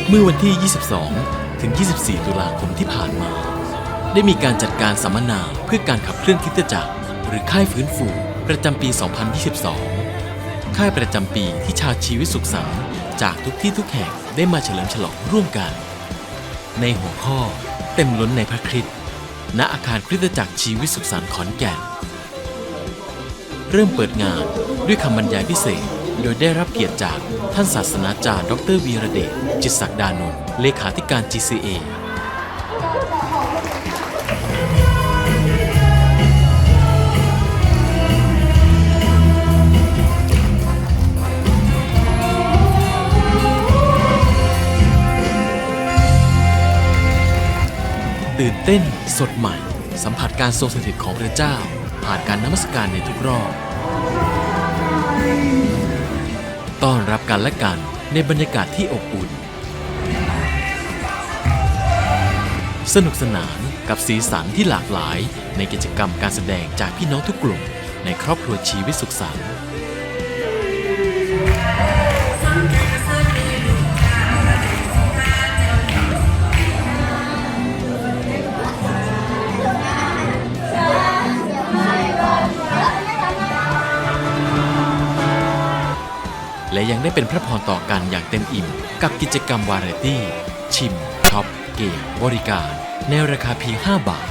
เมื่อวันที่ 22 ถึง 24 ตุลาคมที่ผ่านมา ได้มีการจัดการสัมมนาเพื่อการขับเคลื่อนคริสตจักรหรือค่ายฟื้นฟูประจำปี 2022 ค่ายประจำปีที่ชาวชีวิตสุขสันต์จากทุกที่ทุกแห่งได้มาเฉลิมฉลองร่วมกัน ในหัวข้อเต็มล้นในพระคริสต์ณอาคารคริสตจักรชีวิตสุขสันต์ขอนแก่น เริ่มเปิดงานด้วยคำบรรยายพิเศษโดยได้รับเกียรติจากท่านศาสนาจารย์ดร.วีระเดช จิตศักดานนท์เลขาธิการ GCA ตื่นเต้นสดใหม่สัมผัสการทรงสถิตของพระเจ้าผ่านการนมัสการในทุกรอบต้อนรับกันและกันในบรรยากาศที่อบอุ่นสนุกสนานกับสีสันที่หลากหลายในกิจกรรมการแสดงจากพี่น้องทุกกลุ่มในครอบครัวชีวิตสุขสันต์และยังได้เป็นพระพรต่อกันอย่างเต็มอิ่มกับกิจกรรมวาไรตี้ ชิม ช็อป เกม บริการในราคาเพียง 5 บาท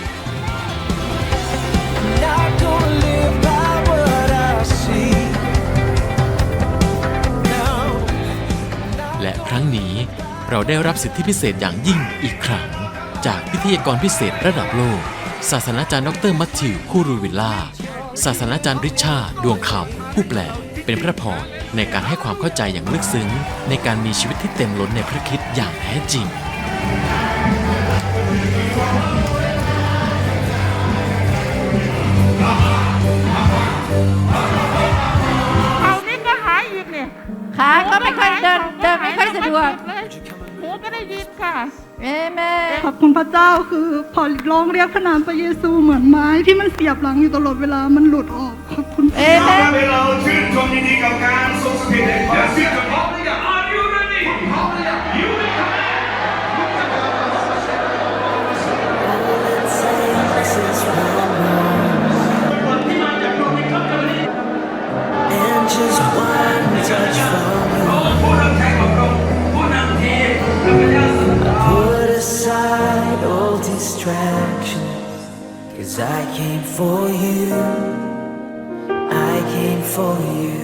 และครั้งนี้เราได้รับสิทธิพิเศษอย่างยิ่งอีกครั้งจากพิธีกรพิเศษระดับโลกศาสนาจารย์ดร.มัทธิว คูรูวิลล่าศาสนาจารย์ริชาร์ด ดวงคำผู้แปลเป็นพระพรในการให้ความเข้าใจอย่างลึกซึ้งในการมีชีวิตที่เต็มล้นในพระคริสต์อย่างแท้จริงเขานี่ก็หายอีกเนี่ยขาก็ไม่ค่อยเดินไม่ค่อยสะดวกหูก็ได้ยินค่ะเอเมนขอบคุณพระเจ้าคือพอร้องเรียกพระนามพระเยซูเหมือนไม้ที่มันเสียบหลังอยู่ตลอดเวลามันหลุดออกขอบคุณพระเอเจ้าเมนเราชื่นชมยินดีกับการทรงสถิตแห่งความเชื่อพร้อมหรือยัง Are you ready พร้อมหรือยัง You will come ผู้นำแข่งของเราผู้นำทีมพระเจ้าสุด Put aside all distractions, 'cause I came for you. I came for you.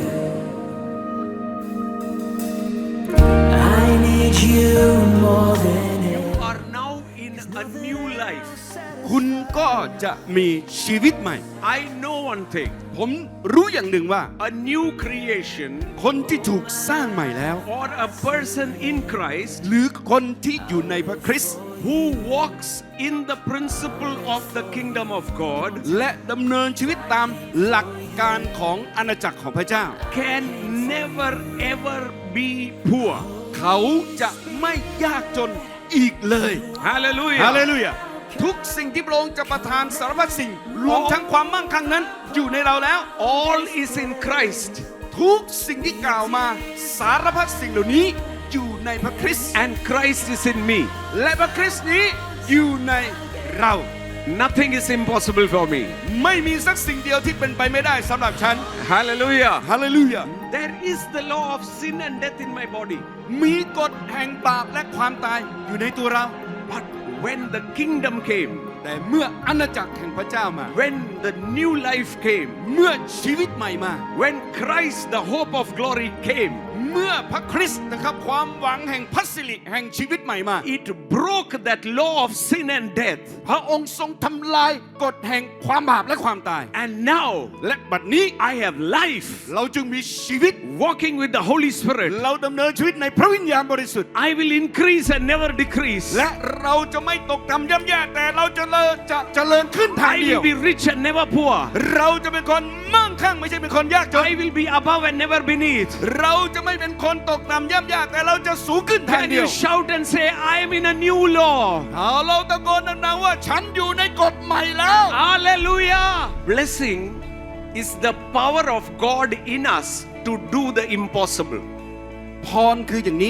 I need you more than ever. are now in a new life คุณก็จะมีชีวิตใหม่ I know one thing ผมรู้อย่างหนึ่งว่า a new creation คนที่ถูกสร้างใหม่แล้ว or a person in Christ หรือคนที่อยู่ในพระคริสต์ who walks in the principle of the kingdom of God และดำเนินชีวิตตามหลักการของอาณาจักรของพระเจ้า can never ever be poor เขาจะไม่ยากจนอีกเลย Hallelujah ฮาเลลูยาทุกสิ่งที่พระองค์จะประทานสารพัดสิ่งรวมทั้งความมั่งคั่งนั้นอยู่ในเราแล้ว all is in Christ ทุกสิ่งที่กล่าวมาสารพัดสิ่งเหล่านี้อยู่ในพระคริสต์ and Christ is in me และพระคริสต์นี้อยู่ในเรา nothing is impossible for me ไม่มีสักสิ่งเดียวที่เป็นไปไม่ได้สำหรับฉัน Hallelujah ฮาเลลูยา there is the law of sin and death in my body มีกฎแห่งบาปและความตายอยู่ในตัวเรา but when the kingdom came แต่เมื่ออาณาจักรแห่งพระเจ้ามา when the new life came เมื่อชีวิตใหม่มา when Christ the hope of glory came เมื่อพระคริสต์นะครับความหวังแห่งพระสิริแห่งชีวิตใหม่มา it broke that law of sin and death พระองค์ทรงทำลายกฎแห่งความบาปและความตาย and now และบัดนี้ I have life เราจึงมีชีวิต walking with the Holy Spirit เราดำเนินชีวิตในพระวิญญาณบริสุทธิ์ I will increase and never decrease และเราจะไม่ตกต่ำย่ำแย่แต่เราจะเจริญขึ้นทาง I เดียว will be rich and never poor เราจะเป็นคนมั่งคั่งไม่ใช่เป็นคนยากจน I will be above and never beneath เราจะไม่เป็นคนตกต่ำย่ำยากแต่เราจะสูงขึ้นทาง Can เดีย you ว shout and say I am in a new law เอาเราตะโกนดังๆว่าฉันอยู่ในกฎใหม่แล้ว Hallelujah blessing is the power of God in us to do the impossible พรคืออย่างนี้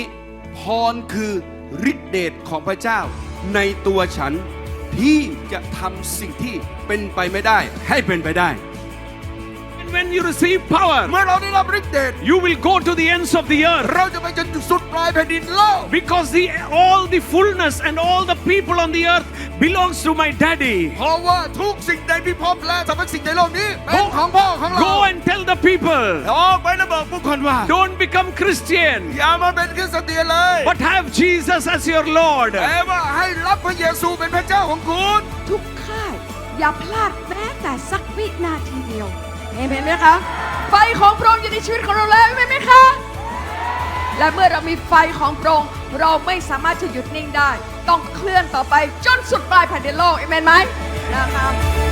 พรคือฤทธิเดชของพระเจ้าในตัวฉันที่จะทำสิ่งที่เป็นไปไม่ได้ให้เป็นไปได้ And when you receive power, เมื่อเราได้รับฤทธิเดช you will go to the ends of the earth. เราจะไปจนสุดปลายแผ่นดินโลก Because all the fullness and all the people on the earth belongs to my daddy. เพราะว่าทุกสิ่งในพิภพและสรรพสิ่งในโลกนี้เป็นของพ่อของเรา Go and tell the people, ออกไปแล้วบอกผู้คนว่า don't become Christian, อย่ามาเป็นคริสเตียนเลย but have Jesus as your Lord. แต่ว่าให้รับพระเยซูเป็นพระเจ้าของคุณทุกค่ายอย่าพลาดแม้แต่สักวินาทีเดียวเห็นไหมคะ ไฟของพระองค์อยู่ในชีวิตของเราแล้วเห็นไหมคะ และเมื่อเรามีไฟของพระองค์เราไม่สามารถจะหยุดนิ่งได้ ต้องเคลื่อนต่อไปจนสุดปลายแผ่นดินโลกเห็นไหมนะครับ